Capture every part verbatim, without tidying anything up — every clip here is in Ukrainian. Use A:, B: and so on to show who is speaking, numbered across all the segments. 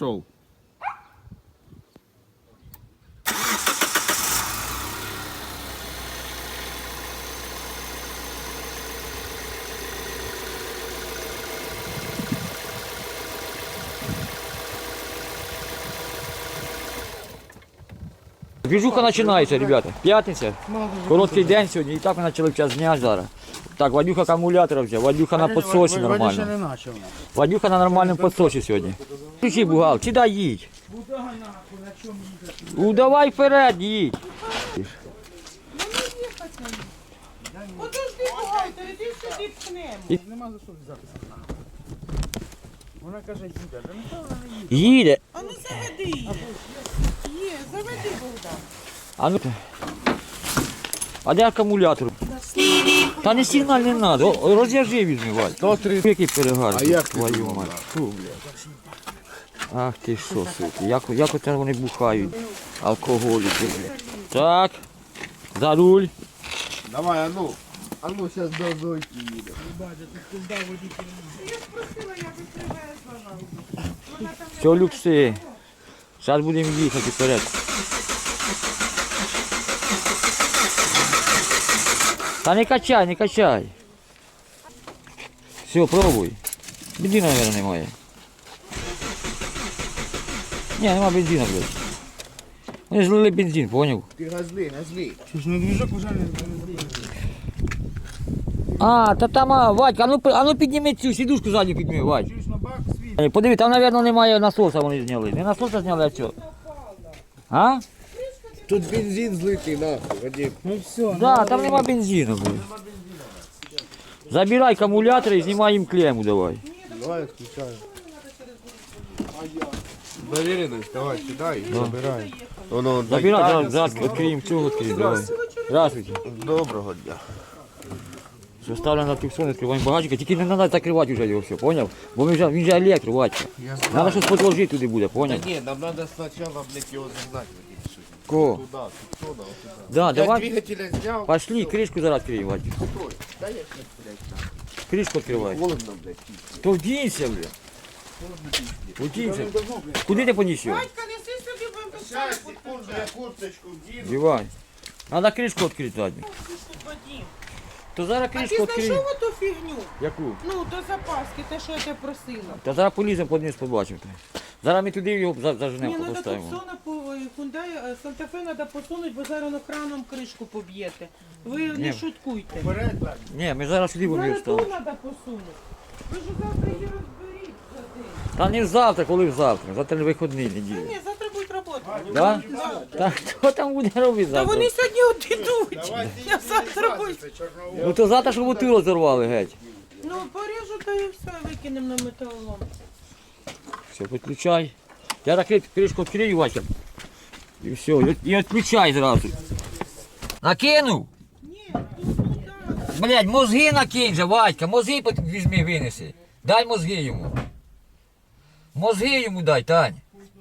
A: пішов. Движуха починається, ребята. П'ятниця, короткий день сьогодні, і так ми почали в час дня зараз. Так, Вадюха акумулятор взяв, Вадюха на підсосі нормально. Вадюха на нормальному підсосі сьогодні. Включи бугал, чи дай їдь. Ну давай вперед, їдь.
B: Подожди, бухгалтер, іди сюди пхнемо.
C: Нема за що взятися. Вона каже, їде. Да ніхто вона не їде.
A: Їде.
B: А ну заведи її. Є, заведи, Богдан.
A: А ну. А де акумулятор? Та не сигналь не треба, розв'яжи візьми, Вадь. Який перегар,
C: А як
A: твою мать. Фу, блядь. Ах ти що, суки, як, як оце вони бухають, алкоголіки, блядь. Так, за руль.
C: Давай, а ну. А ну, зараз до Зойки їде.
B: Я спросила, я би привезла вам.
A: Все, люкси. Зараз будемо їхати вперед. Та не качай, не качай. Все, пробуй. Бензина, мабуть, немає. Ні, нема бензина, блядь. Вони злили бензин, поняв?
C: Ти газли, газли. Що ж, ну движок уже не газли.
A: А, та там, а, Вадька, а ну, а ну підніми цю сідушку задню підніми, Вадь.
C: Чуєш, на бак свій.
A: Подиви, там, мабуть, немає насоса, вони зняли. Не насоса зняли, а що? А?
C: Тут бензин злитий, нахуй, Вадим. Ну все.
A: Да, там нема бензину, блядь. Забирай акумулятор і знімай їм клемму давай.
C: Давай відключаю. Довіреність, давай, сідай і забирай. Воно,
A: Забирай, зараз відкриємо цього, відкриємо, давай. Здравствуйте.
C: Доброго дня.
A: Все ставлено на туксон, відкриваємо багажника, тільки не треба закривати вже його все, поняв? Бо він вже, він же електро, Вадька. Треба щось подложити туди буде, поняв?
C: Ні, нам треба спочатку, блядь, його загнати, Вадим.
A: Ко?
C: Туди, тут, туди, туди.
A: Да,
C: Я
A: давай.
C: двигателя зняв.
A: Пошли, кришку зараз відкриємо, Вадька.
C: Та я щас, блядь, там.
A: Кришку відкривай.
C: Холодно, блядь.
A: То вдінься, бля. Вдінься. Куди ти поніс його?
B: Батька, неси собі, будемо
C: Зараз,
B: писати.
C: секунду, я курточку вдіну.
A: Дівай. Треба кришку відкрити задню. То зараз
B: А ти
A: кришку відкриємо.
B: знайшов оту фігню?
A: Яку?
B: Ну, до запаски, те, що я тебе просила.
A: Та зараз поліземо подниз, побачимо. Зараз ми туди його за-
B: Ні,
A: заженемо,
B: треба
A: поставимо.
B: Туксона по Hyundai, Санта-Фе треба посунути, бо зараз воно краном кришку поб'єте. Ви
A: Ні.
B: не шуткуйте.
C: Вперед, блядь.
A: Ні, ми зараз сюди будемо
B: Зараз ту
A: ставити.
B: треба посунути. Ви ж завтра її розберіть за день.
A: Та не завтра, коли завтра. Завтра не вихідний
B: Та
A: неділя.
B: ні, завтра будуть роботи.
A: Да? Та хто там буде робити
B: Та
A: завтра?
B: вони сьогодні от ідуть. Я завтра буду.
A: Ну то завтра, щоб бутилу розірвали геть.
B: Ну, поріжу, та і все, викинемо на металолом.
A: Все, підключай. Я так кришку відкрию, Вася. І все, і- і відключай зразу. Накинув?
B: Ні, тут туди.
A: Блядь, мозги накинь же, Вадька, мозги пот- візьми, винеси. Дай мозги йому. Мозги йому дай, Тань.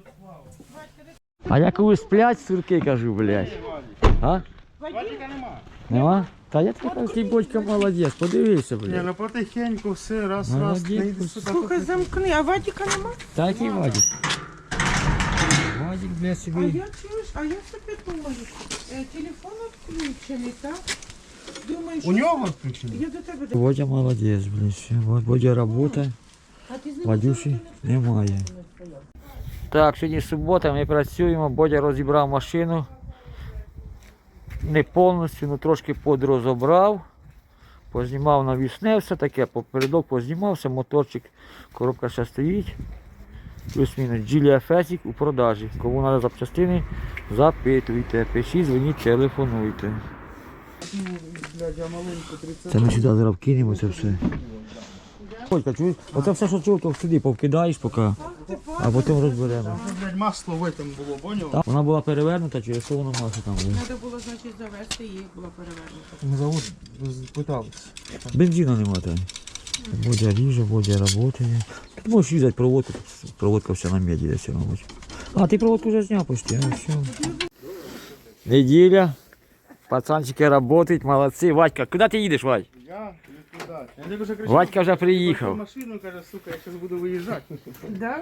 A: А я коли сплять, сурки кажу, блядь. А?
C: Вадика нема.
A: Нема? Та я такий батько молодець, подивися,
C: Ні,
A: блядь.
C: ну потихеньку все, раз, раз,
A: Молодець.
C: не йди сюди.
B: Слухай, замкни, а Вадіка нема?
A: Та який Вадик? Вадик, блядь,
B: А
A: собі.
B: я чуєш, а я собі думаю, е, телефон відключений, так? Думаю, що...
C: У нього включено?
B: Я до тебе... до-
A: Водя молодець, блядь. все. Вот Водя робота,
B: А ти з ним
A: Вадюші немає. Так, сьогодні субота, ми працюємо, Бодя розібрав машину. Не повністю, ну трошки подрозобрав. Познімав навісне, все таке, попередок познімався, моторчик, коробка ще стоїть. Плюс-мінус Джілія Фесік у продажі. Кому треба запчастини, запитуйте, пишіть, дзвоніть, телефонуйте.
C: Блядь, я маленьку тридцять.
A: Це ми сюди зараз кинемо це все. Олька, чуєш? Оце все, що чув, то сюди повкидаєш поки, а потім розберемо.
C: Блядь, масло в этом було, поняв?
A: Так, вона була перевернута, через що воно масло там було.
B: Треба було, значить, завести, їх була перевернута.
C: Ми завод питались.
A: Бензина нема там. Бодя ріже, Бодя працює. Тут можеш різати проводку, тут проводка вся на меді десь, мабуть. А, ти проводку вже зняв почти, а все. Неділя. Пацанчики працюють, молодці. Вадька, куди ти їдеш, Вадь?
C: Я не туди. Я вже кричав.
A: Вадька вже приїхав.
C: Машину, каже, сука, я зараз буду виїжджати.
B: Да?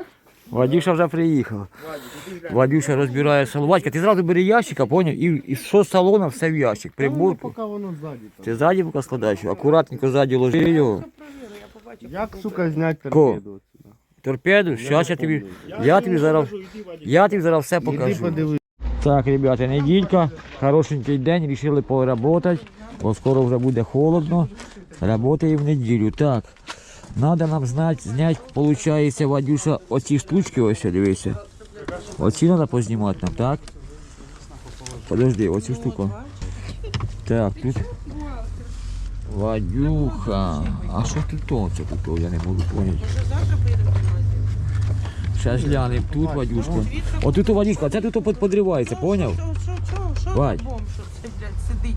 A: Вадюша вже приїхав. Вадюша розбирає салон. Вадька, ти зразу бери ящика, поняв? І, і що з салона, все в ящик. Прибор.
D: Поки воно ззаді. там.
A: Ти ззаді поки складаєш, акуратненько ззаді ложи його.
D: Як, сука, зняти
A: Ко?
D: торпеду отсюда?
A: Торпеду, зараз я тобі, я тобі зараз, я тобі зараз все
D: Іди
A: покажу.
D: подивись.
A: Так, ребята, неділька, хорошенький день, вирішили поработати, бо скоро вже буде холодно. Работаємо в неділю. Так, треба нам знати, зняти, виходить, Вадюша, оці штучки, ось, дивися. Оці треба познімати нам, так? Подожди, оцю штуку. Так, тут. Вадюха. А що тут то? Це тут, я не можу поняти. Зараз глянемо тут, Вадюшка. Отут у Вадюшка, це тут под- подривається, поняв?
B: Що, що, що, що
A: Вадь.
B: бомж, що це, блядь, сидить?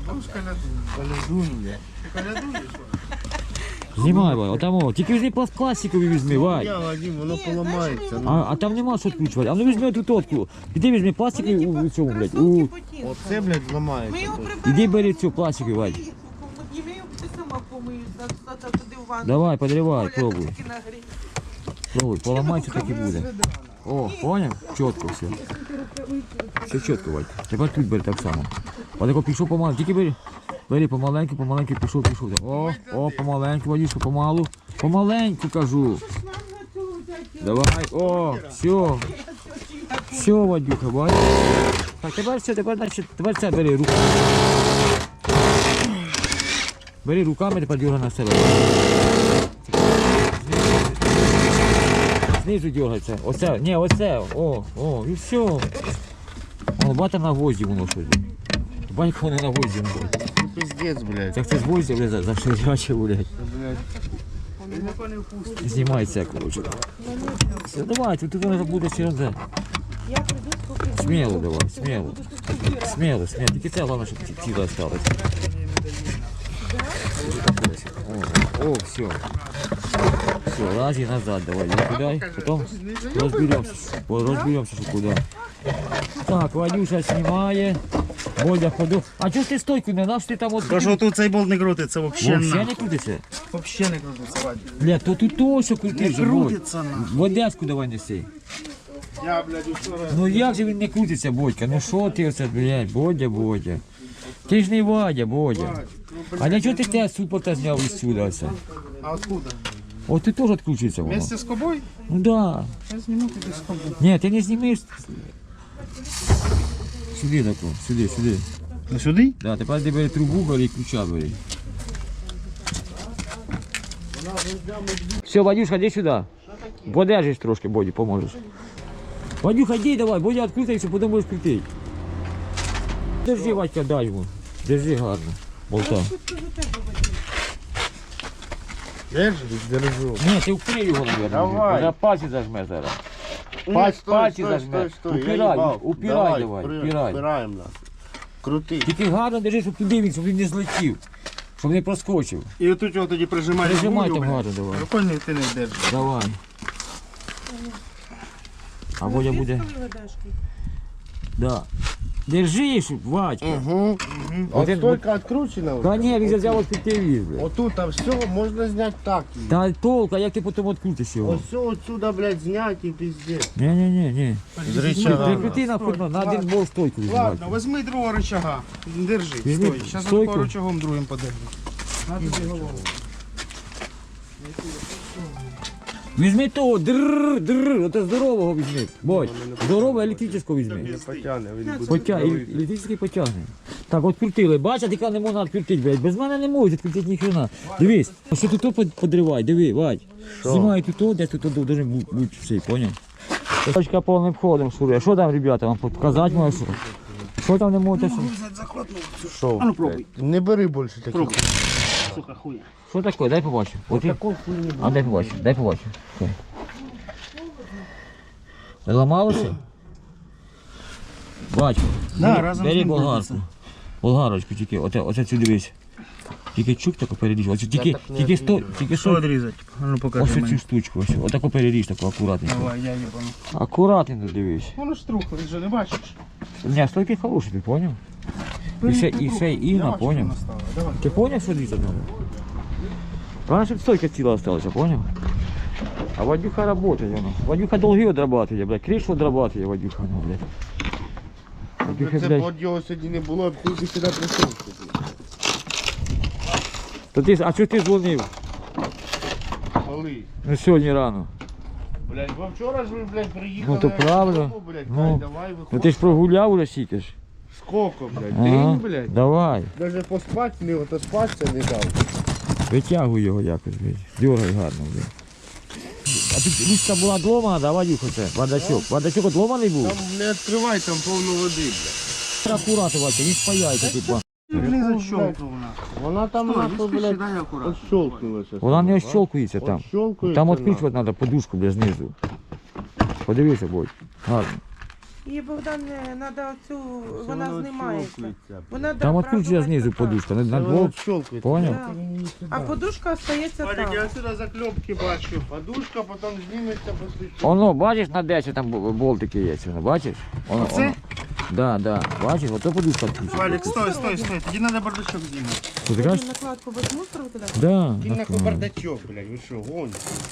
A: Знімай, Вадь, отам, о. Тільки візьми пласт- пластикові візьми, Вадь.
D: Я, Вадим, воно поламається. ну.
A: А, а там нема що відкручувати. А ну візьми оту тотку. Іди візьми пластикові у, у цьому, блядь. У...
D: Оце, блядь,
B: Ми
D: зламається.
B: його
D: тут.
B: приберемо.
A: Іди бери цю пластикову, Вадь.
B: І ми його ти сама помиєш, за- за- туди в ванну.
A: Давай, подривай,
B: Оля,
A: пробуй.
B: тільки нагрій.
A: Пробуй, поламається, так і буде. О, поняв? Чітко все. Все чітко, Вадь. Тепер тут бери так само. Отако пішов помалу. Тільки бери. Бери помаленьку, помаленьку, пішов, пішов. О, о, помаленьку, Вадюшка, помалу. Помаленьку, кажу. Давай, о, все. Все, Вадюха, бач. Так, тепер все, тепер, значить, тепер це бери руками. Бери руками, тепер дергай на себе. Знизу дергається. Оце, ні, оце. О, о, і все. О, бата на гвозді воно щось. Банька воно на гвозді. воно.
D: Ну, пиздець, блядь.
A: Як це з гвоздя, блядь, за- заширяче, блядь.
D: Блядь.
A: Знімається, коротше. Все, давай, тут воно буде через це. Сміло давай, сміло. Сміло, сміло. Тільки це головне, щоб ці- ціле осталось. О, о, все. Все, лази назад давай, иди туда, потом разберемся, разберемся, что куда. Так, Вадюша снимает, Бодя ходу. А чого ж ти стойку не дав, що ти там от...
C: Та що тут цей болт не крутиться взагалі.
A: Вообще не крутиться?
C: Взагалі не крутиться, Вадик.
A: Бля, то тут то, що крутиш же, Бодь.
C: Крутиться на.
A: В Одеску давай неси.
C: Я, блядь, вчора.
A: Ну як же він не крутиться, Бодька? Ну що ти оце, блядь, Бодя, Бодя. Ти ж не Вадя, Бодя. А для чого ти те супорта зняв із сюди оце?
C: А откуда?
A: От ти теж відключиться воно.
C: Вместе з кобою?
A: Ну да.
C: Я зніму тобі з кобою.
A: Ні, ти не знімеш. Сюди тако, сюди, сюди.
C: Ну сюди?
A: Да, тепер ти бери трубу, бери і ключа бери. Все, Вадюшка, йди сюди. Подержиш трошки, Боді, поможеш. Вадюха, йди давай, Бодя відкрутиться, потім будеш крутити. Держи, Вадька, дай йому. Держи гарно. Болта.
D: Держи, держу.
A: Ні, ти впри його, мабуть.
D: Давай.
A: На пальці зажме зараз.
D: Ні,
A: Пальці,
D: стой,
A: пальці
D: стой,
A: зажме.
D: стой, стой, я
A: Упирай,
D: їбав.
A: упирай давай,
D: впри-
A: упирай.
D: Впираємо нас. Крути.
A: Тільки гарно держи, щоб туди він, щоб він не злетів. Щоб не проскочив.
C: І отут його тоді прижимаєш.
A: Прижимай
C: гулю,
A: там
C: блядь.
A: гарно давай.
C: Прикольно, ти не держиш.
A: Давай. А Бодя буде. Да. Держи, щоб, Вадька.
D: Угу. От
A: Один-
D: стойка відкручена.
A: Та
D: вже.
A: ні, він взяв от підтивіз, блядь.
D: Отут, а все, можна зняти так.
A: Та толк, а як ти потім відкрутиш його?
D: Ось все отсюда, блядь, зняти і пиздець.
A: Ні, ні, ні, ні.
D: З рычага.
A: Прикрути на футбол, на один бол стойку візьмати.
C: Ладно, візьми другого рычага. Держи,
A: Візьми
C: стой. Зараз
A: стойку.
C: по рычагом другим подержу. На тобі голову.
A: Візьми того, дрррр, дрррр, ото здорового візьми. Бодь, здорового електричного візьми.
D: Потягне, він буде.
A: Потя... Електричний потягне. Так, от крутили. Бачиш, яка не можна відкрутити, блядь. Без мене не можуть відкрутити ніхрена. Дивись, ось тут то под- подривай, диви, Вадь. Знімай тут, то, де тут то должен бу- бути все, поняв? Точка повним ходом шурує. Що там, ребята, вам показати можу? Що? Що там не можете? Що,
D: Що?
C: А ну пробуй.
D: Не бери більше таких.
C: Пробуй. Сука, хуя.
A: що таке? Дай побачу. От і- А дай побачу, дай побачу. Що? Ламалося? Батько,
C: Да,
A: бери,
C: разом з
A: бери
C: ним
A: болгарку.
C: крутиться.
A: Болгарочку тільки, оце, оце цю дивись. Тільки чук тако переріж. Оце тільки,
D: так не
A: тільки сто,
D: відріжу.
A: тільки
C: Що
A: сто.
C: відрізати? А ну
A: Ось
C: покажи
A: цю
C: мені.
A: штучку, ось. Отако переріж, тако акуратненько.
C: Давай, я їбану.
A: Акуратненько дивись.
C: Воно ж трухло, вже не бачиш?
A: Ні, стойки хороші, ти поняв? І ще, і ще
C: Я
A: Інна,
C: бачу,
A: поняв?
C: вона стала. Давай.
A: Ти поняв, що різати треба? Правильно, щоб стойка ціла осталася, поняв? А Вадюха работает, воно. Вадюха долги отрабатывает, блядь, кришу отрабатывает Вадюха, ну, блядь. Вадюха,
D: Це
A: блядь.
D: б його сьогодні не було, ти б сюди прийшов.
A: То ти, а чого ти дзвонив?
D: Коли?
A: Ну сьогодні рано.
D: Блядь, бо вчора ж ви, блядь, приїхали.
A: Ну то правильно.
D: додому, блядь,
A: Ну,
D: Кать, давай,
A: Ну
D: виходь.
A: ти ж прогуляв уже сіки ж.
D: Сколько, блядь?
A: Ага,
D: День, блядь?
A: давай.
D: Даже поспати не, ото спатися не дав.
A: Витягуй його якось, блядь. Дергай гарно, блядь. А тут річка була вдома, да, Вадюха, це? Вадачок. Вадачок одломаний був?
D: Там не відкривай, там повно води, блядь.
A: Акуратно, Вадька, він спаяйте, типа.
C: Не защелкнула.
D: Вона там нахуй, блядь,
C: дай аккуратно.
D: ощолкнулася.
A: Вона не ощолкується там.
D: Ощолкується.
A: Там відкручувати треба подушку, блядь, знизу. Подивися, будь. Гарно.
B: І Богдан, треба оцю, вона знімається. Вона
A: Там
B: да,
A: відкручується
B: правда,
A: знизу
B: така.
A: подушка. На, на
D: Вона
A: двох.
D: ощолкується.
A: Поняв?
B: Да. А подушка остається
D: Валік,
B: там.
D: я сюди закльопки бачу. Подушка, потім зніметься, послідчі.
A: Воно, бачиш, на десять там бо- болтики є, воно, бачиш? Воно,
C: Оце?
A: воно. Да, да, бачиш, ото подушка відкручується.
C: Валик, стой, стой, стой. Тоді треба бардачок знімати.
A: Що ти
B: Тоді
A: кажеш?
B: накладку без мусору туди?
A: Да.
D: Ти
A: на-
D: нахуй бардачок, блядь, ви що, гонь?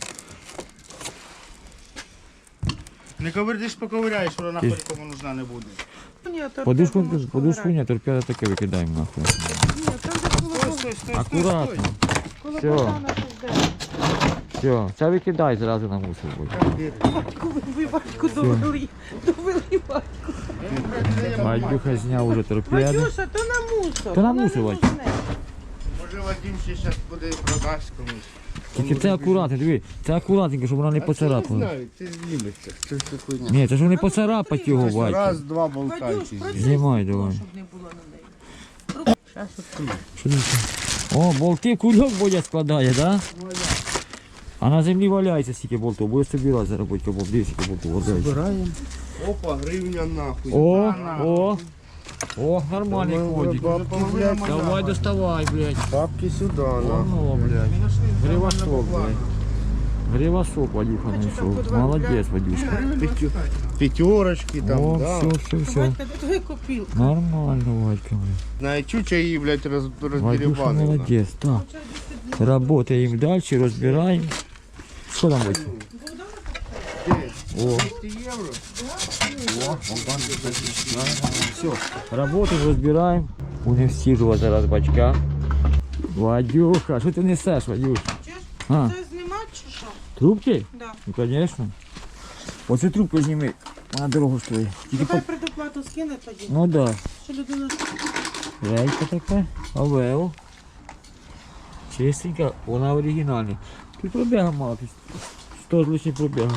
C: Не ковирдиш, поковиряєш, вона нахуй кому нужна не буде.
B: Ні, то
A: Подушку,
B: треба можеш
A: подушку
B: повирати.
A: ні, торпеда таке викидаємо нахуй.
B: Ні, там де коло,
C: Стой, стой, стой, стой,
A: Акуратно.
C: стой.
B: коло
A: Все.
B: Богдана щось де.
A: Все, це викидай зразу на мусор. Будь.
B: Батьку, ви- ви батьку довели, довели батьку.
A: Вадюха зняв уже торпеду.
B: Вадюша, то на мусор.
A: То на
B: вона
A: мусор,
B: не
A: Вадь.
B: нужне.
D: Може Вадим ще зараз буде продасть комусь.
A: Тільки це акуратно, диви, це акуратненько, щоб вона не
D: А це не
A: поцарапала.
D: знаю, це зніметься. Це все хуйня.
A: Ні, це ж не поцарапать його, Вадька.
D: Раз, два
B: Вадюш,
D: болтайки.
B: працюй,
A: Знімай давай.
B: щоб не було на неї.
A: Що це? О, болти кульок Бодя складає, да? А на землі валяється стільки болтів, буде собирати заробити кабов, дивись, скільки болтів валяється.
C: Збираємо.
D: Опа, гривня нахуй.
A: О, о, о, нормальний ходик.
D: Бабки,
A: Давай доставай, блядь.
D: бабки сюди, нахуй.
A: Оно, блядь. Гривосок, блядь. Гривосок Вадюха знайшов. Молодець, Вадюшка.
D: П'ятерочки там,
A: О,
D: да.
A: все, все, все.
B: Вадька, де твої копілки?
A: Нормально, Вадька, блядь.
D: Знає, чуча її, блядь, роз,
A: Вадюша
D: роздерибанила.
A: молодець, так. Работаємо далі, розбираємо. Що там, Вадька? О,
D: двісті євро?
A: все. Работаємо, розбираємо. Будемо всіжувати зараз бачка. Вадюха, що ти несеш, Вадюш?
B: Чуєш?
A: А,
B: Це знімати чи що?
A: трубки?
B: Да.
A: Ну, звісно. Оцю трубку зніми, вона дорого стоїть. Тільки
B: Нехай
A: по...
B: предоплату скине тоді.
A: Ну да.
B: Що людина...
A: Рейка така, овео. Чистенька, вона оригінальна. Тут пробіга мало, тут сто з лишнім пробіга.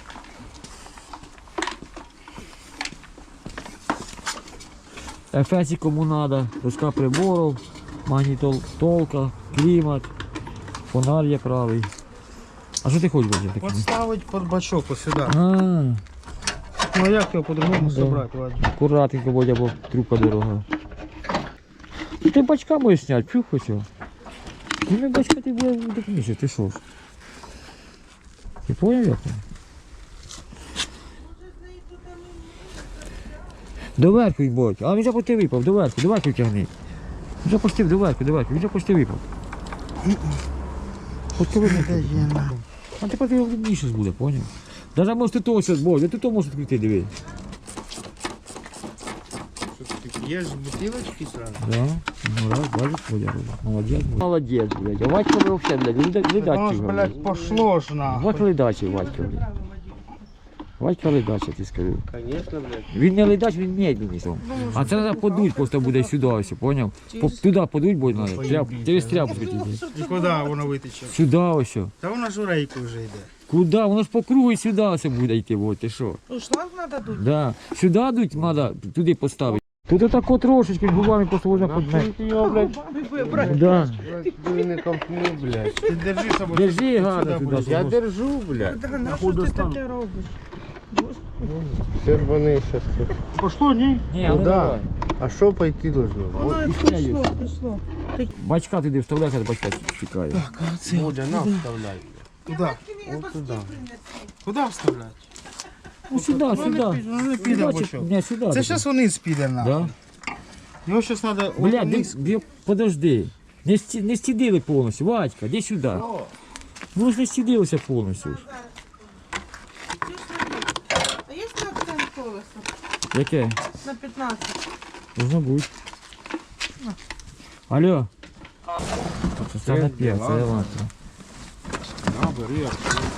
A: Ефесі кому надо, доска приборів, магнітолка, клімат, фонар є правий. А що ти хочеш, Боже? таке?
C: Подставить под бачок ось сюди.
A: А,
C: Ну а як його по-другому
A: Да.
C: собрати, Вадик?
A: акуратненько, Бодя, бо трубка дорога. Ну ти бачка можеш зняти, чух хоча. Ну не бачка ти буде допоміжеш, ти що ж? Ти поняв як? Доверху й Бодь, а він вже почти випав, доверху, доверху тягни. Він вже почти доверху, доверху, він вже почти випав. Почти випав. А тепер ти більше буде, поняв? Даже може ти того зараз, Бодь, ти то можеш відкрити, диви.
D: Що таке? Є ж бутилочки сразу?
A: Да, ну раз, бачиш, Бодя робить. Молодець, Молодець, блядь. А Вадька ви взагалі, блядь, леда-
C: Воно
A: ледачий,
C: ж,
A: блядь.
C: блядь, пошло ж нахуй.
A: Вот ледачий Вадька, блядь. Вадька ледачий, ти скажу.
D: Конечно, блядь.
A: Він не ледач, він медленний. сам. А це треба подуть, просто буде сюди ось, поняв? По- Туди подуть буде, треба. Тряп, через тряпку тільки.
C: І куди воно витече?
A: Сюди ось.
C: Та воно ж у рейку вже йде.
A: Куди? Воно ж по кругу і сюди ось буде йти, вот, ти що?
B: Ну, шланг треба дуть.
A: Да. Сюди дуть, треба туди поставити. Тут отако трошечки губами просто можна
D: Нахуй
A: подмати.
D: ти його, блядь,
B: Губами вибрати.
A: Да.
D: блядь, ти не ковтни, блядь.
C: Ти держи собою.
A: Держи гарно туди.
D: Я
A: щоб-
D: держу, блядь.
B: Да, на що ти таке робиш?
D: Червоний щас тут.
C: Пошло, ні?
A: Ні, а ну
D: Куда?
A: давай.
D: А що пойти должно?
B: Воно
A: і
B: пішло,
A: ще є.
B: пішло.
A: Бачка туди вставляй, хай бачка чекає.
D: Бодя, на, вставляй.
C: Куди?
D: От туди.
C: Куди вставляти?
A: Ну сюди,
C: Ну,
A: сюди.
C: не піде, ну, не піде
A: Сюди,
C: бачок.
A: чи- Ні, сюди.
C: Це
A: туди.
C: зараз вниз піде нахуй.
A: Да?
C: Його зараз треба
A: Бля,
C: вниз.
A: де, де, подожди. Не, сті, не стідили повністю, Вадька, де сюди. Ну ж не стідилися повністю. Яке?
B: На пятнадцать.
A: Должно бути. Алло. Це на п'ять, це електро.
D: На, бери.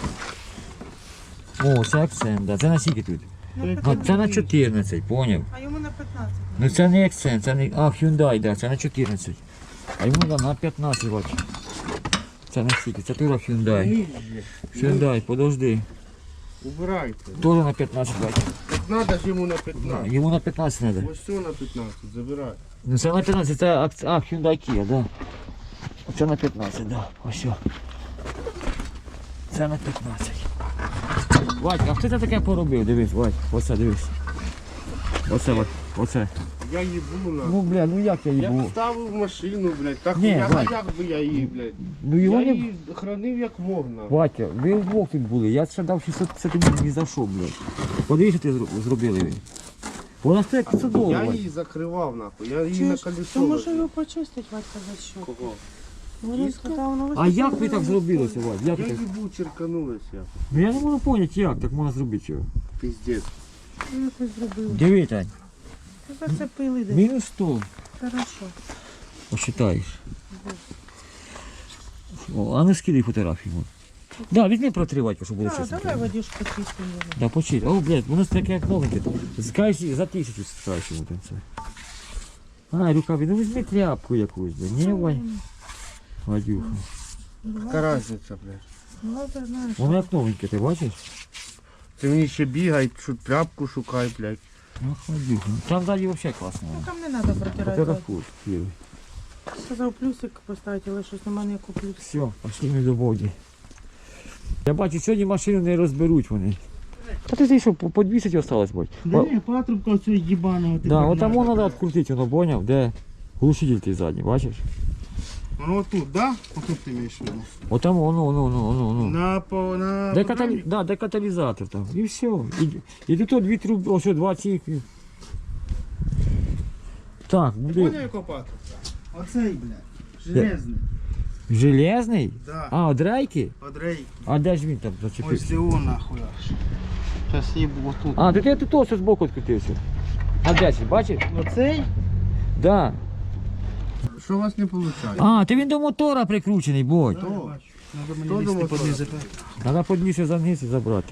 A: О, це акцент, да. Це на скільки тут? А, це на чотирнадцять, поняв.
B: А йому на пятнадцать.
A: Ну це не акцент, це не. А, Hyundai, да, це на чотирнадцять. А йому да, на п'ятнадцять, бач. Це на скільки? Це тура Hyundai. Hyundai, подожди.
D: Убирайте.
A: Тоже на п'ятнадцять, бач.
D: Так надо ж йому на п'ятнадцять.
A: Йому на п'ятнадцять треба.
D: Ось все на п'ятнадцять, забирай.
A: Ну це на п'ятнадцять, це акц... а, Hyundai Kia, да. Це на п'ятнадцять, да. Ось. Що. Це на п'ятнадцять. Вадь, а хто це таке поробив? Дивись, Вадь, оце дивись. Оце, Вадь, оце.
D: Я їбу на.
A: Ну, бля, ну як я
D: Я
A: їбу?
D: вставив машину, блядь. Так
A: Ні,
D: я, а
A: Вадь.
D: як би я її, блядь?
A: Ну його
D: Я
A: не...
D: її хранив як можна.
A: Ватя, ви вдвох тут були, я ще дав шістсот п'ятдесят тобі ні за що, блядь. Подивись, що ти зро- зробили ви. Вона стоїть п'ятсот доларів,
D: Я
A: Вадь.
D: її закривав, нахуй. Я її на
B: Чуєш,
D: колесо.
B: то може
D: возив.
B: його почистить, Вадька, за що?
D: Кого?
B: Він сказав, ну,
A: А як ви так зробили це, Вадь? Як
D: Я
A: ви так?
D: їбу, черканулась я.
A: Ну я не можу зрозуміти, як так можна зробити його.
D: Піздець.
B: Ну, якось зробили.
A: Диви, Тань,
B: Ти зацепили десь.
A: мінус сто.
B: Хорошо.
A: Посчитаєш. О, а ну скидай фотографію. Вон. Да, візьми протри, Вадька, щоб було
B: Так,
A: чесно.
B: давай водичку чистимо.
A: Да, почти. О, блядь, воно таке як новеньке. Скажеш, за тисячу скажеш йому там це. А, рукаві, ну візьми тряпку якусь, блядь. Ні, Вадь. Вадюха.
D: Яка різниця, блядь?
B: Ну, ти знаєш.
A: Воно як новеньке, ти бачиш?
D: Ти мені ще бігай, що тряпку шукай, блядь.
A: Ах, Вадюха. Там ззаді взагалі класно.
B: Ну, там не треба протирати.
A: Фотографуй. Кири.
B: Сказав плюсик поставити, але щось немає ніякого плюсу.
A: Все, пошли ми до Боді. Я бачу, сьогодні машину не розберуть вони. А ти ти що, по по двадцять осталось, Бодь?
C: Да не, патрубка оцього їбаного.
A: Да, от там воно треба відкрутити, воно поняв, де глушитель ти задній, бачиш?
D: Ну отут, да? Отут ти маєш в виду?
A: От там воно, воно, воно, воно, воно.
D: На, по, на...
A: Де, каталі... да, де каталізатор там. І все. І, і тут от дві труби, ось два ці. Так,
D: Поняв,
A: буде.
D: якого патрубка?
C: Оцей, блядь. Железний.
A: Железний?
D: Да.
A: А, от рейки?
D: От рейки.
A: А де ж він там
D: Ось
A: зачепився?
D: цього нахуй аж. Зараз їбу отут.
A: А, то ти тут ось з боку відкрутився. А де це, бачиш?
C: Оцей?
A: Да.
D: Що у вас не виходить?
A: А, ти він до мотора прикручений, Бодь.
C: Надо
D: Хто
C: мені
D: думав,
C: лізти
D: що
C: подвізи.
A: Треба подніше заниз і забрати.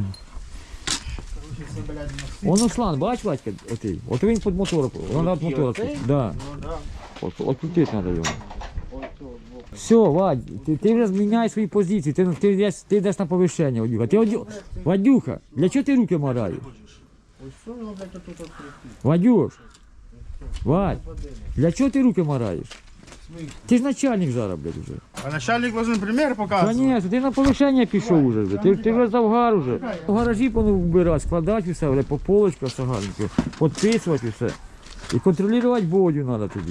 A: Воно шланг, бач, Вадька, отий. От він під мотор, вона від мотора.
D: оцей?
A: Да.
D: Ну да.
A: От, открутити треба його.
D: Ось цього боку.
A: Все, Вадь, ти, ти вже зміняй свої позиції, ти, ти, йдеш, ти йдеш на повищення, Вадюха. Ти, Вадю... Вадюха, для чого ти руки мораєш?
D: Ось цього, блядь, отут відкрити.
A: Вадюш, Вадь, для чого ти руки мораєш? Ти ж начальник зараз, блядь, вже.
D: А начальник должен пример показувати.
A: Конечно, ти на повищення пішов уже, блядь. Ти, ти вже завгар уже. В гаражі повинен вбирати, складати все, блядь, по полочках сагарники, підписувати все. І контролювати Бодю треба тобі.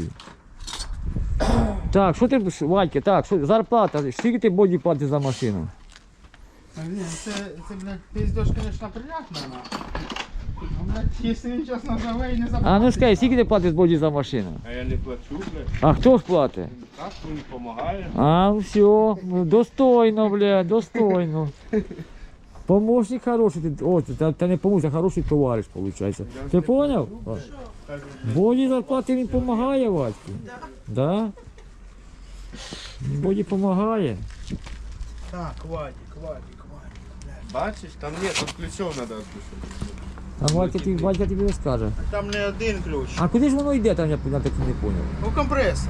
A: Так, що ти, Вадька, так, що, зарплата, скільки ти Боді платиш за машину?
D: Та ні, це, це, блядь, пиздеж, конечно, приятно, нахуй. Ну, блядь, якщо він зараз назове і не заплатить.
A: А ну скажи, скільки ти платиш Боді за машину?
D: А я не плачу, блядь.
A: А хто ж платить?
D: Так, він допомагає.
A: А, ну все, ну, достойно, бля, достойно. Помощник хороший, ти, о, ти, ти не помощник, а хороший товариш, виходить. Ти поняв? Боді зарплати він допомагає, Вадьку. Да? Боді допомагає.
C: Так, Вадик, Вадик, Вадик.
D: Бачиш, там ні, там ключом треба відпустити.
A: А Вадька, тобі- Вадька тобі розкаже.
D: Там не один ключ.
A: А куди ж воно йде, там я, я так і не поняв.
D: Ну, компресор.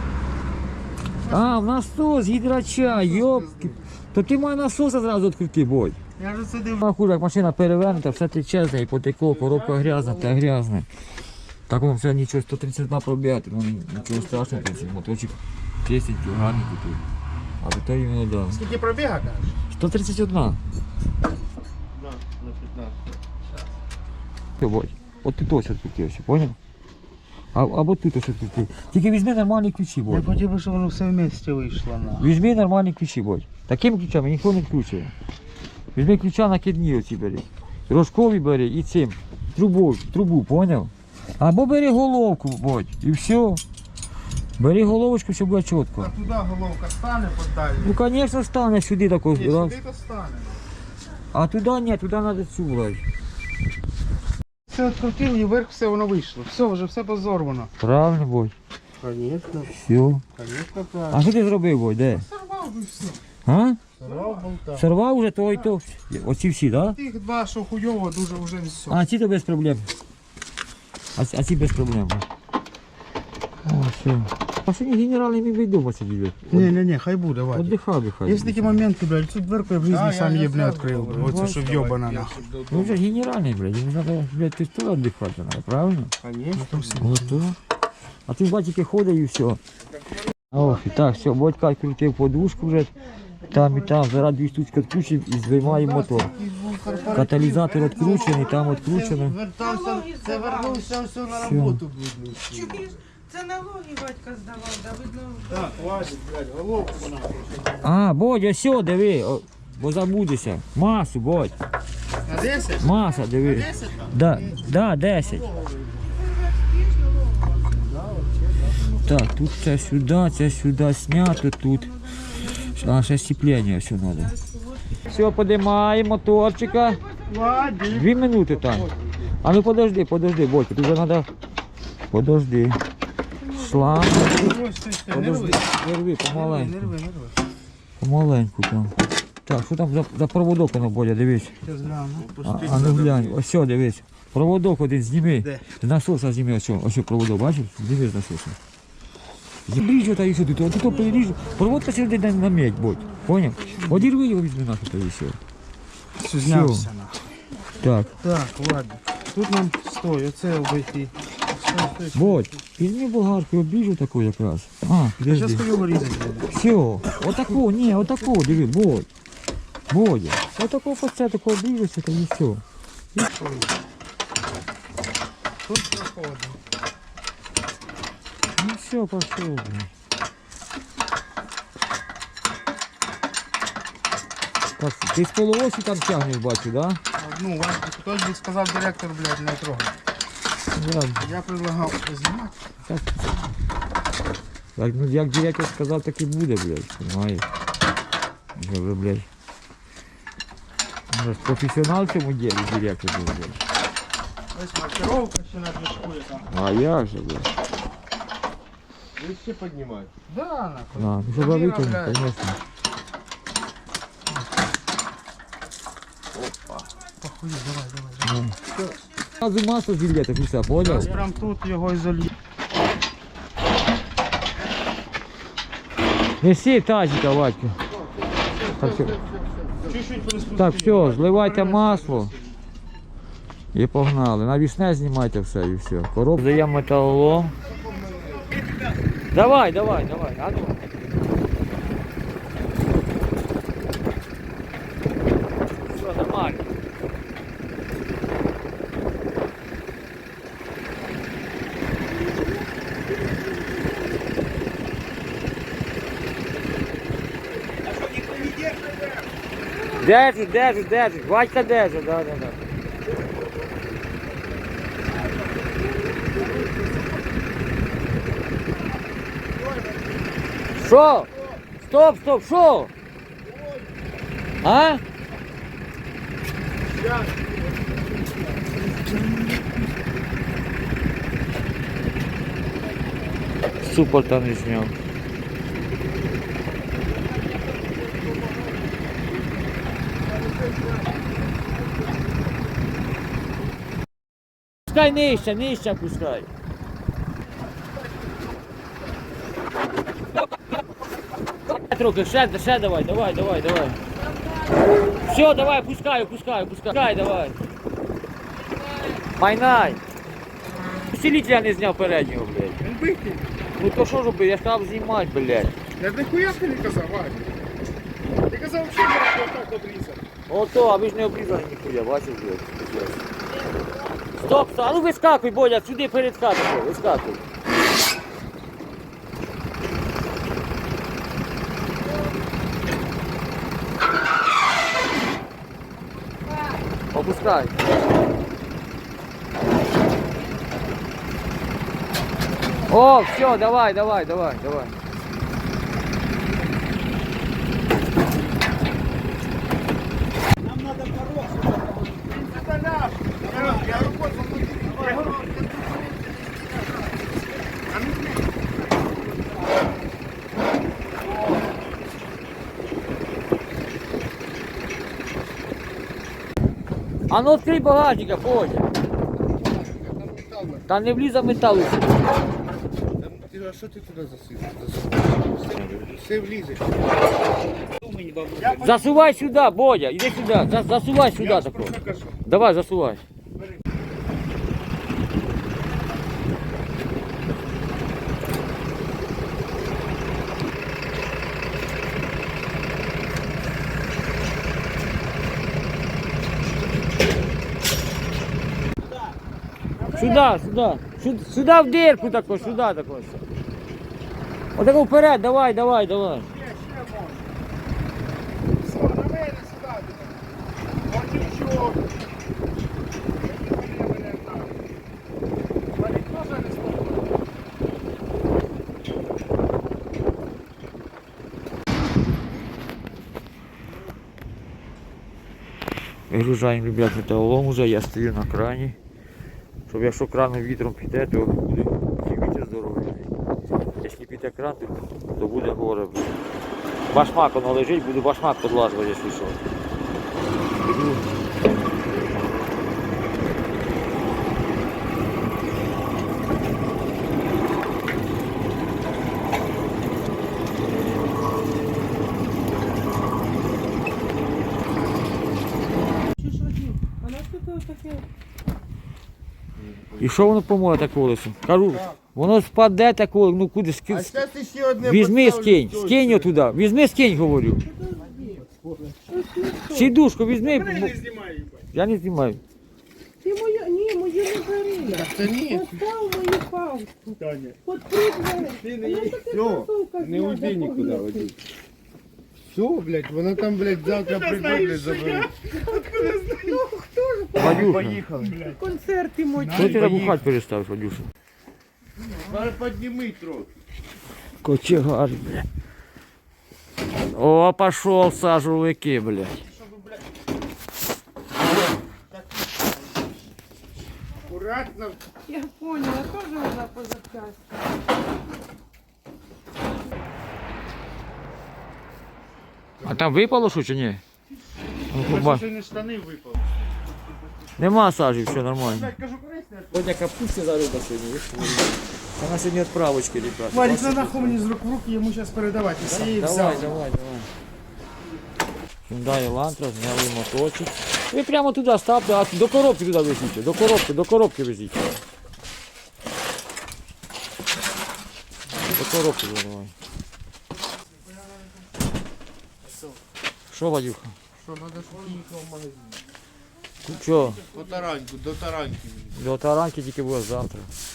A: А, в насос, гідрача, йопки. То ти має насоса зразу відкрити, Бодь.
D: Я вже сидив.
A: Нахуй, як машина перевернута, все тече з неї, потекло, коробка грязна, та грязна. Так воно все нічого, сто тридцять два пробігати, ну нічого страшного, цей моточок чистенький, гарний тут. А до того іменно дав.
D: Скільки пробіга, кажеш?
A: сто тридцять один.
D: Да, на п'ятнадцять.
A: Все, Бодь, от тут ось відкрутився, поняв? А, або тут ось відкрутив. Тільки візьми нормальні ключі,
C: Я
A: Бодь.
C: хотів би, щоб воно все вместе вийшло на.
A: Візьми нормальні ключі, Бодь. Такими ключами ніхто не включує. Візьми ключа накидні оці бери. Рожкові бери і цим. Трубу, трубу, поняв? Або бери головку, Бодь, і все. Бери головочку, щоб було чітко.
D: А туди головка стане подалі.
A: Ну, звісно, стане сюди тако.
D: Ні,
A: раз.
D: сюди то стане.
A: А туди ні, туди треба цю брати.
D: Все відкрутив і вверх все воно вийшло. Все, вже все позорвано.
A: Правильно, Бодь?
D: Звісно,
A: Все.
D: звісно, правильно.
A: А що ти зробив, Бодь, де?
D: Сорвав би все.
A: А?
D: Сорвав болта.
A: Сорвав уже то і то? Оці всі, так? Да?
D: Тих два, що хуйово, дуже вже все.
A: А ці то без проблем. А, ці- а ці без проблем. О, все. А сьогодні генерал не міг вдома сидіти.
D: Ні, ні, ні, хай буде, Вадик.
A: Отдихав би хай.
D: Є такі моменти, блядь, цю дверку я в житті сам її, блядь, відкрив. Оце, що вйобана нахуй.
A: Ну вже генеральний, блядь, йому треба, блядь, ти теж віддихати треба, правильно?
D: Конечно.
A: Готово. А ти бачите, ходить і все. Ох, і так, все, Бодька крутив подушку вже. Там і там, зараз дві штучки відключив і здіймає мотор. Каталізатор відкручений, там відкручено.
D: Вертався, це вернувся все на
A: Все.
D: роботу, блядь.
B: Чуєш? Це налоги батька здавав, да видно.
D: Так, Вадик, блядь, головку нахуй.
A: А, Бодя, все, диви, о, бо забудешся. Масу, Бодь,
D: На десять?
A: маса, диви.
D: десять там?
A: Да, да, десять. Так, тут це сюди, це сюди знято, тут. А, ще степлення все треба. Все, подимаємо моторчика.
D: Вадик.
A: Дві минути там. А ну подожди, подожди, Бодька, тут вже треба. Подожди. Шланг.
D: Ось ти ще, не
A: Подожди.
D: рви.
A: Не рви,
D: Не
A: помаленьку.
D: рви, не рви.
A: Помаленьку там. Так, що там за, за проводок воно, Бодя, дивись.
D: Щас гляну.
A: А, а ну глянь, ось все, дивись. Проводок один зніми.
D: Де?
A: З насоса зніми, ось, що, ось що проводок, бачиш? Зніми з насоса. Ріж та і сюди, то тут переріж. Проводка сюди на, на медь, Бодь. Поняв? Одірви його візьми нахуй та і все.
D: Все, знявся нахуй.
A: Так,
D: Так, ладно. Тут нам стой, оце обійти. Стой, стой, стой.
A: Бодь, візьми болгарку, обіжу таку якраз. А,
D: Зараз
A: підожди.
D: його різати буду.
A: Все, отако, ні, отако, диви, Бодь. Бодя, отако по це, тако обіжуся, та і все.
D: Тут проходимо.
A: Ну все, пошел, блин. Так, ти з полуосі там тягнеш, бачу, да?
D: Ну, Вадик, хтось би сказав директор, блядь, не трогай.
A: Я,
D: Я предлагав знімати.
A: так, як, ну, як директор сказав, так і буде, блядь, понимаєш? Вже, вже, блядь. Ну, професіонал в цьому ділі директор був, блядь.
D: Ось маркировка ще на движку яка.
A: А як же, блядь?
C: Ви ще піднімаєте.
D: Да, нахуй.
A: А, ну, щоб
D: Камера,
A: витягнути,
D: блядь.
A: конечно.
D: Похуй, давай, давай, давай.
A: Сразу масло зільєте, все, понял?
D: Зараз прям тут його і зальє.
A: Неси тазика, Вадька. Так, все.
D: Чуть-чуть приспустити.
A: Так, все, зливайте масло і погнали. Навісне знімайте все і все. Короб даємо металолом. Давай, давай, давай. А ну. Все, нормально. Держить, держить, держить. Вадька держить, да, да, да. Що? Стоп, стоп, що? А? Супорта не зняв. Пускай нижче, нижче пускай. Трохи, ще, ще давай, давай, давай, давай. Все, давай, пускай, пускай, пускай, давай. Майнай. Усилителя не зняв переднього, блядь.
D: Він битий.
A: Ну то що робити, я сказав знімати, блядь.
D: Я ніхуя ти не казав, Вадик. Ти казав, що я так обрізав.
A: Ото, а ви ж не обрізали ніхуя, бачиш, блядь. Стоп, стоп, а ну вискакуй, Бодя, сюди перед хатою, вискакуй. Опускай. О, все, давай, давай, давай, давай.
D: Нам треба порог. Це наш. Я, я роботу
A: А ну відкрий багажника, Бодя.
D: Там метал.
A: Та не влізе металу.
D: Ти, а що ти туди засив? Все влізе.
A: Засувай сюди, Бодя, іди сюди, За- засувай сюди
D: Я ж
A: тако.
D: про це кажу.
A: Давай, засувай. Сюда, сюда. Сюда, сюда в дирку тако, сюда тако. Отако вперед, давай, давай, давай.
D: Ще, ще можна. Все, на мене сюди. Бардючок. Мене, мене, так. Валік, можна не спробувати?
A: Вигружаємо, ребят, металолом уже, я стою на крані. Щоб якщо краном вітром піде, то буде вітер здоровий. Якщо піде кран, то, то буде горе. Башмак воно лежить, буду башмак подлажувати, якщо що. Піду.
B: Чи ж Вадим, а нас тут таке?
A: І що воно поможе так колесо? Кажу, воно спаде тако, ну куди
D: А
A: скинь.
D: зараз ти ще одне
A: Візьми,
D: поставлю,
A: скинь,
D: що
A: скинь
D: це?
A: його туди, візьми, скинь, говорю. Сідушку візьми.
D: Бери,
A: бо-
D: не знімай, їбать.
A: Я не знімаю.
B: Ти моя, ні, мою не бери.
D: Та ні.
B: Постав мою палку.
D: Таня.
B: Открий двері.
D: Ти не
B: А я
D: їдь.
B: таки
D: Всьо,
B: кросовка
D: не
B: зняла,
D: уйди нікуди,
B: погнути.
D: Вадим. Все, блядь, вона там, блядь, завтра прийде, блядь, забере.
B: Ну, хто ж
A: Вадюша,
D: Поїхали, блядь.
B: концерти мої?
A: що ти набухати перестав, Вадюша?
D: Подніми трохи.
A: Кочегар, бля. О, пошел сажовики, блядь.
D: Аккуратно.
B: Я поняла, теж вона позапчасти.
A: А там випало що чи ні? Ну,
D: Це
A: поба-
D: ще не штани випали.
A: Нема сажі, все нормально.
D: Блядь, кажу, корисне.
A: Сьогодні капусти за риба сьогодні, вона сьогодні відправочки, ребята.
D: Валік, на нахуй мені з рук в руки, йому зараз передавати. Всі її
A: Давай,
D: взяв.
A: давай, давай. Hyundai Elantra, зняли моточок. Ви прямо туди ставте, а до коробки туди везіть, до коробки, до коробки везіть. До коробки туди давай. Що, Вадюха?
D: Що, треба, щоб ти їхав в магазин.
A: Що?
D: По тараньку, до тараньки.
A: До таранки тільки буде завтра.